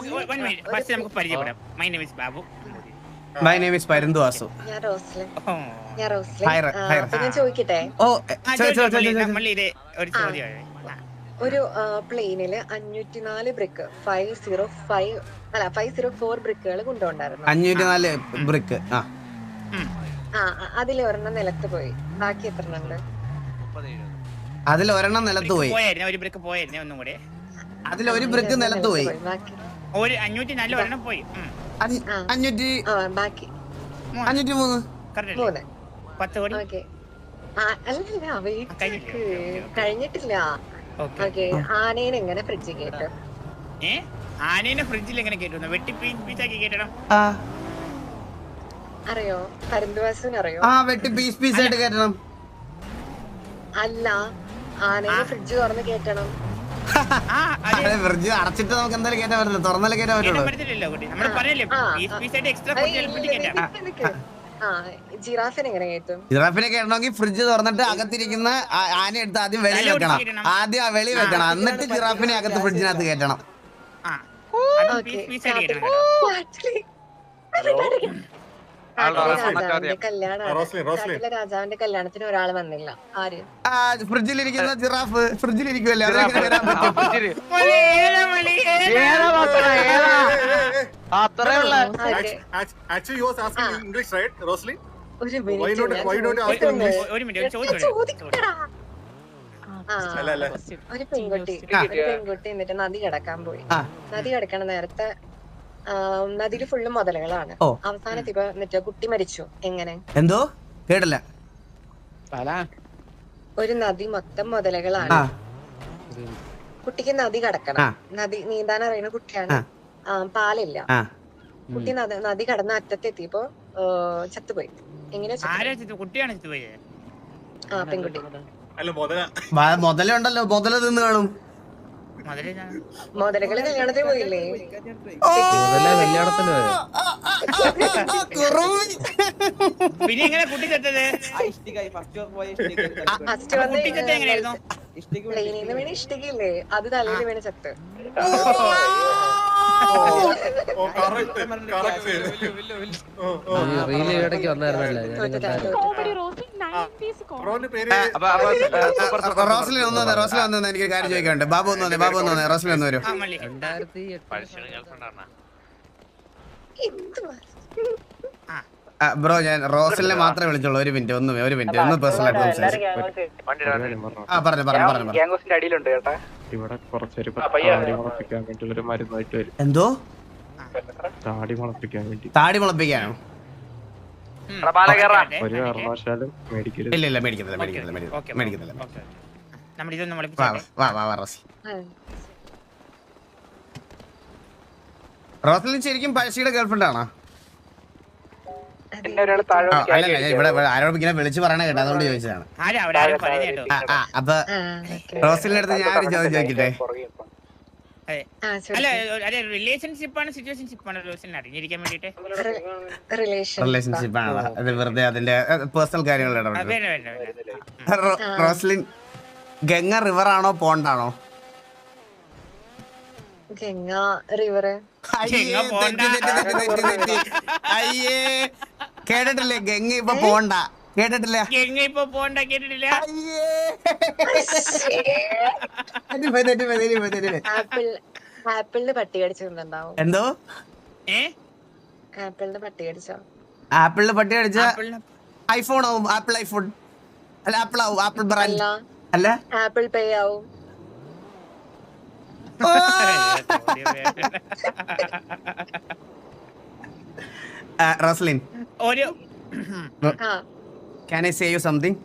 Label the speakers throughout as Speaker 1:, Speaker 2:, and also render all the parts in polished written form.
Speaker 1: First നമുക്ക് പരിചയപ്പെടാം. My name is Babu.
Speaker 2: My name is Paranthu Vasu.
Speaker 3: ഞാൻ റോസ്ലിൻ.
Speaker 2: അപ്പൊ
Speaker 3: ഞാൻ ചോദിക്കട്ടെ,
Speaker 1: ഒരു ചോദ്യം.
Speaker 3: ഒരു പ്ലെയിനില് 504 ബ്രിക്ക് 504 ബ്രിക്കുകൾ കൊണ്ടുപോണ്ടായിരുന്നു.
Speaker 2: 504 ബ്രിക്ക്.
Speaker 3: അതിൽ ഒരെണ്ണം നിലത്ത് പോയി. ബാക്കി എത്ര ഉണ്ട്?
Speaker 2: അതിൽ ഒരെണ്ണം നിലത്ത് പോയി.
Speaker 1: ഒരു ബ്രിക്ക് പോയായിരുന്നു. ഒന്നും കൂടെ
Speaker 2: അതിൽ ഒരു ബ്രിക്ക് നിലത്ത് പോയി.
Speaker 1: ഒരു 504 ഒരെണ്ണം പോയി.
Speaker 2: 503
Speaker 1: 10 കോടി
Speaker 3: അല്ലല്ല, കഴിഞ്ഞിട്ടില്ല. ഓക്കെ, ആനേനെ എങ്ങനെ ഫ്രിഡ്ജിൽ കേട്ടു?
Speaker 1: ആനേനെ ഫ്രിഡ്ജിൽ എങ്ങനെ കേട്ടു? വെട്ടി പീസാക്കി കേട്ടണം.
Speaker 3: അറിയോ? പരന്തുവാസുവിന് അറിയോ?
Speaker 2: വെട്ടി പീസ് ആയിട്ട് കേട്ടണം.
Speaker 3: അല്ല, ആനേനെ ഫ്രിഡ്ജ് തുറന്ന് കേട്ടണം.
Speaker 2: ഫ്രിഡ്ജ് അടച്ചിട്ട് നമുക്ക് എന്തായാലും കേട്ടാൻ പറ്റില്ല, തുറന്നാലേ കേട്ടാൻ പറ്റുള്ളൂ.
Speaker 3: ജിറാഫിനെ എങ്ങനെ കേട്ടും?
Speaker 2: ജിറാഫിനെ കേട്ടണമെങ്കിൽ ഫ്രിഡ്ജ് തുറന്നിട്ട് അകത്തിരിക്കുന്ന ആന എടുത്ത് ആദ്യം വെളി വെക്കണം. ആദ്യം വെളി വെക്കണം, എന്നിട്ട് ജിറാഫിനെ അകത്ത് ഫ്രിഡ്ജിനകത്ത് കേട്ടണം.
Speaker 3: രാജാവിന്റെ കല്യാണത്തിന് ഒരാൾ വന്നില്ല. ആര്?
Speaker 2: ഫ്രിഡ്ജിലിരിക്കുന്ന ജിറാഫ് ഫ്രിഡ്ജിലിരിക്കുമല്ലേ, അതിലേക്ക് വരാൻ പറ്റും.
Speaker 3: ഒരു പെൺകുട്ടി എന്നിട്ട് നദി കിടക്കാൻ പോയി. നദി കിടക്കണ നേരത്തെ നദിയില് ഫുള്ള് മുതലകളാണ്. അവസാനത്ത് ഇപ്പൊ എന്നിട്ട് കുട്ടി മരിച്ചു. എങ്ങനെ?
Speaker 2: എന്തോ കേട്ടില്ല.
Speaker 3: ഒരു നദി മൊത്തം മുതലകളാണ്. കുട്ടിക്ക് നദി കടക്കണം. നദി നീന്താൻ അറിയുന്ന കുട്ടിയാണ്. പാലില്ല. കുട്ടി നദി കടന്ന അറ്റത്തെത്തിയപ്പോ ചത്തുപോയി. എങ്ങനെ? പെൺകുട്ടി.
Speaker 2: മുതലുണ്ടല്ലോ, മുതല തിന്ന് കാണും.
Speaker 3: മുതലകള് കല്യാണത്തിന് പോയില്ലേ?
Speaker 1: പിന്നെ എങ്ങനെ കുട്ടി ചത്തത്?
Speaker 3: പ്ലെയിനിന്ന് വീണ് ഇഷ്ടികയില്ലേ, അത് തലയിൽ വീണ് ചത്ത്.
Speaker 2: റോസ്ലിൻ വന്നു. എനിക്ക് കാര്യം ചോദിക്കാനുണ്ട്. ബാബു ഒന്ന് വന്നേ. റോസ്ലിൻ ഒന്ന് വരും. ബ്രോ, ഞാൻ റോസ്ലിനെ മാത്രമേ വിളിച്ചുള്ളൂ. ഒരു മിനിറ്റ് ഒന്ന് പേഴ്സണൽ ആയിട്ട് സംസാരിച്ചു.
Speaker 4: ഇവിടെ കുറച്ചൊരു മരുന്നായിട്ട് വരും.
Speaker 2: എന്തോ
Speaker 4: താടി മുളപ്പിക്കാൻ വേണ്ടി.
Speaker 2: താടി മുളപ്പിക്കാനോ?
Speaker 4: ഒരു കാരണവശാലും മേടിക്കരുത്.
Speaker 2: ഇല്ല, മേടിക്കുന്നില്ല. റോസ്ലിൻ ശരിക്കും പഴശ്ശിയുടെ ഗേൾഫ്രണ്ട് ആണോ? അല്ലല്ല, ഇവിടെ ആരോടും ഇങ്ങനെ വിളിച്ചു പറയണ കേട്ടോ, അതുകൊണ്ട് ചോദിച്ചതാണ്. അപ്പൊ റോസ്ലിന്റെ അടുത്ത് ഞാൻ ഒരു ചോദ്യം ചോദിക്കട്ടെ?
Speaker 1: റിലേഷൻഷിപ്പ് ആണ് സിറ്റുവേഷൻഷിപ്പ് ആണ് അറിഞ്ഞിരിക്കാൻ വേണ്ടിട്ട്?
Speaker 2: റിലേഷൻഷിപ്പ് ആണോ? അത് വെറുതെ അതിന്റെ പേഴ്സണൽ കാര്യങ്ങൾ. റോസ്ലിൻ, ഗംഗ റിവർ ആണോ പോണ്ടാണോ?
Speaker 3: ഗംഗ റിവർ.
Speaker 2: അയ്യേ, കേട്ടിട്ടില്ലേ? ഗംഗ ഇപ്പൊ പോണ്ട കേട്ടിട്ടില്ല.
Speaker 3: ആപ്പിളിന് പട്ടി കടിച്ചിട്ടുണ്ടാവും.
Speaker 2: എന്തോ?
Speaker 3: ആപ്പിളിന് പട്ടി കടിച്ചോ?
Speaker 2: ആപ്പിളിന് പട്ടി കടിച്ച ഐഫോൺ ആവും. ആപ്പിൾ ഐഫോൺ അല്ല, ആപ്പിൾ ആവും. ആപ്പിൾ ബ്രാൻഡ് അല്ല,
Speaker 3: ആപ്പിൾ പേ ആവും.
Speaker 2: Roslin, can I say you something?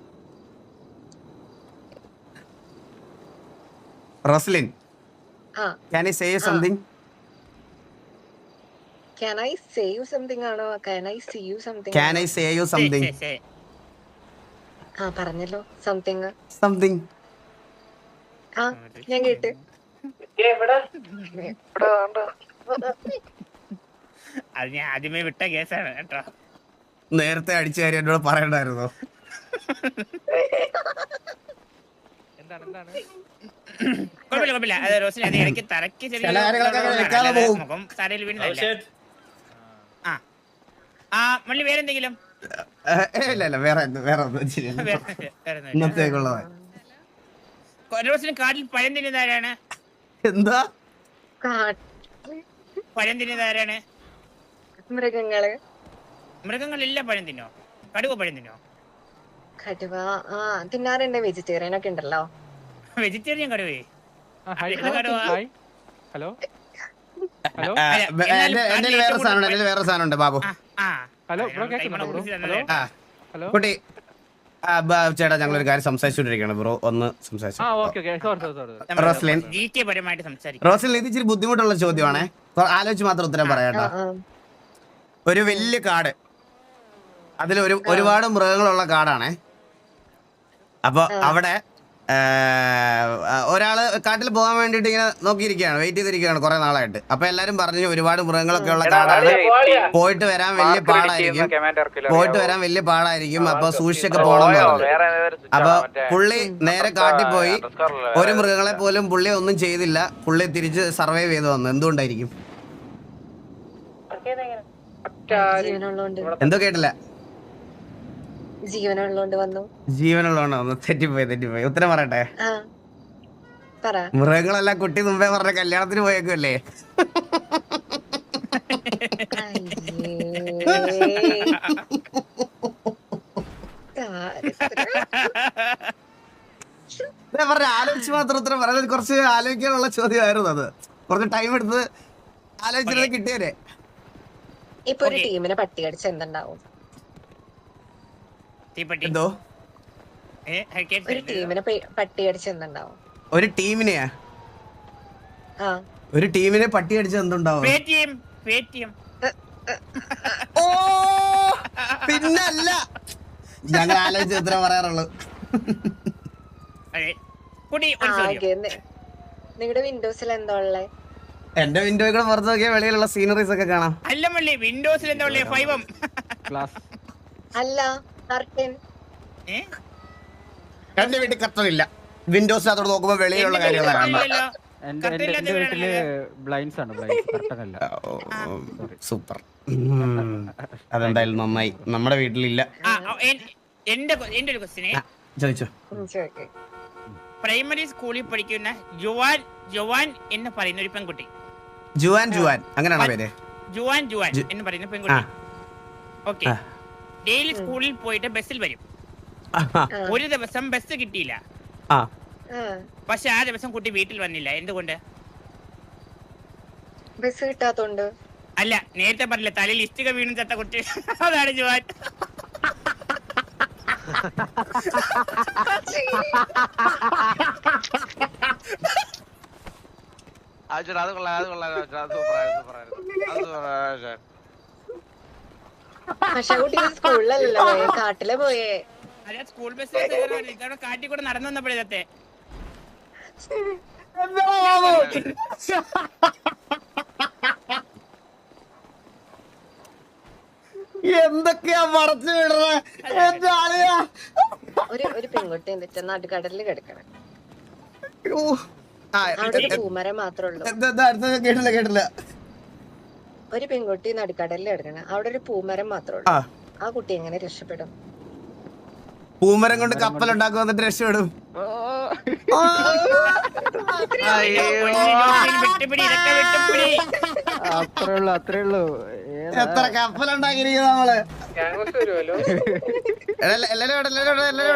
Speaker 2: Roslyn, can I say you something?
Speaker 3: Can I say you something ആണോ? Can I see you something?
Speaker 2: Can I say you something?
Speaker 3: പറഞ്ഞല്ലോ something. ഞാൻ കേട്ട്.
Speaker 1: അത് ഞാൻ ആദ്യമേ വിട്ട കേസാണ് കേട്ടോ.
Speaker 2: നേരത്തെ അടിച്ച കാര്യം എന്നോട് പറയണ്ടായിരുന്നോ?
Speaker 1: കുഴപ്പമില്ല അത് റോസിൽ അത് ഇടയ്ക്ക് തറയ്ക്ക്
Speaker 2: ചില കാര്യങ്ങളൊക്കെ അങ്ങനെ വെക്കാതെ പോകും.
Speaker 1: മുഖം തറയിൽ വീണതല്ല. ആ മള്ളി വേറെന്തെങ്കിലും
Speaker 2: ഇല്ല വേറെ ഒന്നും ശരിയല്ല ഇന്നത്തേക്കുള്ളതാ.
Speaker 1: റോസിന് കാട്ടിൽ പഴം തിന്നുന്നതാരാണ്?
Speaker 2: എന്താ
Speaker 1: പഴം തിന്നുന്നതാരാണ്?
Speaker 3: മൃഗങ്ങള്
Speaker 1: മൃഗങ്ങളെല്ലാം പഴം തിന്നോ? കടുവ പഴം തിന്നോ?
Speaker 3: കടുവ തിന്നാറുണ്ട്. വെജിറ്റേറിയൻ ഒക്കെ ഉണ്ടല്ലോ.
Speaker 1: വെജിറ്റേറിയൻ കടുവേ?
Speaker 5: ഹലോ
Speaker 2: എന്റെ വേറെ സാധനം ഉണ്ട് ബാബു.
Speaker 5: ഹലോ
Speaker 2: കുട്ടി ചേട്ടാ ഞങ്ങളൊരു കാര്യം സംസാരിച്ചോണ്ടിരിക്കുകയാണ് ബ്രോ, ഒന്ന് സംസാരിച്ചു. റോസ്ലിൻ റോസ്ലിൻ ഇത് ഇച്ചിരി ബുദ്ധിമുട്ടുള്ള ചോദ്യമാണേ, ആലോചിച്ച് മാത്രം ഉത്തരം പറയാട്ടോ. ഒരു വലിയ കാട്, അതിൽ ഒരുപാട് മൃഗങ്ങളുള്ള കാടാണേ. അപ്പൊ അവിടെ ഒരാള് കാട്ടിൽ പോകാൻ വേണ്ടിട്ട് ഇങ്ങനെ നോക്കിയിരിക്കുകയാണ്, വെയിറ്റ് ചെയ്തിരിക്കുകയാണ് കുറെ നാളായിട്ട്. അപ്പൊ എല്ലാരും പറഞ്ഞു ഒരുപാട് മൃഗങ്ങളൊക്കെ ഉള്ള കാടാണ്, പോയിട്ട് വരാൻ വലിയ പാടായിരിക്കും, അപ്പൊ സൂക്ഷിച്ചൊക്കെ പോകണം എന്ന് പറഞ്ഞു. അപ്പൊ പുള്ളി നേരെ കാട്ടിൽ പോയി, ഒരു മൃഗങ്ങളെ പോലും പുള്ളി ഒന്നും ചെയ്തില്ല, പുള്ളി തിരിച്ച് സർവൈവ് ചെയ്ത് വന്നു. എന്തുകൊണ്ടായിരിക്കും? എന്തോ കേട്ടില്ല. ജീവനുള്ളതുകൊണ്ട് വന്നു. തെറ്റിപ്പോയി. ഉത്തരം പറയട്ടെ? മൃഗങ്ങളെല്ലാം കുട്ടി മുമ്പേ പറഞ്ഞ കല്യാണത്തിന് പോയേക്കുമല്ലേ? ആലോചിച്ച് മാത്രം ഉത്തരം പറയുന്നത് കുറച്ച് ആലോചിക്കാനുള്ള ചോദ്യമായിരുന്നു. അത് കുറച്ച് ടൈം എടുത്ത് ആലോചിച്ചിരുന്നത് കിട്ടിയേ.
Speaker 3: ഇപ്പൊ ഒരു ടീമിനെ പട്ടി അടിച്ച് എന്തുണ്ടാവും?
Speaker 2: എന്തോ
Speaker 3: ഒരു ടീമിനെ പട്ടി അടിച്ച് എന്തുണ്ടാവും?
Speaker 2: ഒരു ടീമിനെ പട്ടി അടിച്ച് എന്തുണ്ടാവും? ഓ പിന്നല്ല, ഞങ്ങൾ ആലോചിച്ച് ഉത്തരം പറയാറുള്ളൂ.
Speaker 3: നിങ്ങളുടെ വിൻഡോസിൽ എന്താ ഉള്ളേ?
Speaker 2: എന്റെ വിൻഡോയിൽ കൂടെ പുറത്ത് നോക്കിയാൽ വെളിയിലുള്ള സീനറീസ് ഒക്കെ കാണാം.
Speaker 1: അല്ല വിൻഡോസിൽ എന്താ ഉള്ളേ?
Speaker 3: അല്ല കർട്ടൻ.
Speaker 2: എന്റെ വീട്ടിൽ കർട്ടൻ ഇല്ല, വിൻഡോസ് അതോട് നോക്കുമ്പോ വെളിയിലുള്ള കാര്യങ്ങളാണ്. സൂപ്പർ, അതെന്തായാലും നന്നായി. നമ്മുടെ വീട്ടിലില്ല.
Speaker 1: എന്റെ ഒരു ക്വസ്റ്റ്യൻ
Speaker 2: ചോദിച്ചോ.
Speaker 1: പ്രൈമറി സ്കൂളിൽ പഠിക്കുന്ന ജുവാൻ എന്ന് പറയുന്ന ഒരു പെൺകുട്ടി.
Speaker 2: ജുവാൻ അങ്ങനെയാണോ പേര്?
Speaker 1: ജുവാൻ എന്ന് പറയുന്ന പെൺകുട്ടി. ഓക്കെ, ഡെയിലി സ്കൂളിൽ പോയിട്ട് ബസ്സിൽ വരും. ഒരു ദിവസം ബസ് കിട്ടിയില്ല, പക്ഷെ ആ ദിവസം കുട്ടി വീട്ടിൽ വന്നില്ല. എന്തുകൊണ്ട്?
Speaker 3: ബസ് കിട്ടാത്തോണ്ട്.
Speaker 1: അല്ല, നേരത്തെ പറഞ്ഞില്ല തലയിൽ ഇഷ്ടിക വീണു ചത്ത കുട്ടി, അതാണ് ജുവാൻ.
Speaker 3: പക്ഷെ കുട്ടി സ്കൂളിലല്ലോ കാട്ടിലെ പോയേ.
Speaker 1: അല്ല, സ്കൂൾ ബസ് കാട്ടിൽ കൂടെ നടന്നു വന്നപ്പോഴത്തെ
Speaker 2: എന്തൊക്കെയാ മറച്ചു വിടുന്നത്?
Speaker 3: ഒരു പെൺകുട്ടി എന്നിട്ട് നടുക്കടലിൽ കിടക്കണം. അവിടെ ഒരു പൂമരം മാത്രമേ ഉള്ളൂ.
Speaker 2: കേട്ടില്ല.
Speaker 3: ഒരു പെൺകുട്ടി നടുക്കടലിൽ കിടക്കണം, അവിടെ ഒരു പൂമരം മാത്രമേ ഉള്ളൂ. ആ കുട്ടി എങ്ങനെ രക്ഷപ്പെടും?
Speaker 2: പൂമരം കൊണ്ട് കപ്പൽ ഉണ്ടാക്കും, എന്നിട്ട് രക്ഷപ്പെടും.
Speaker 5: അത്രേ ഉള്ളൂ.
Speaker 2: എത്ര കപ്പൽ ഉണ്ടാക്കിയിരിക്കുന്നത് നമ്മള്. എല്ലാരും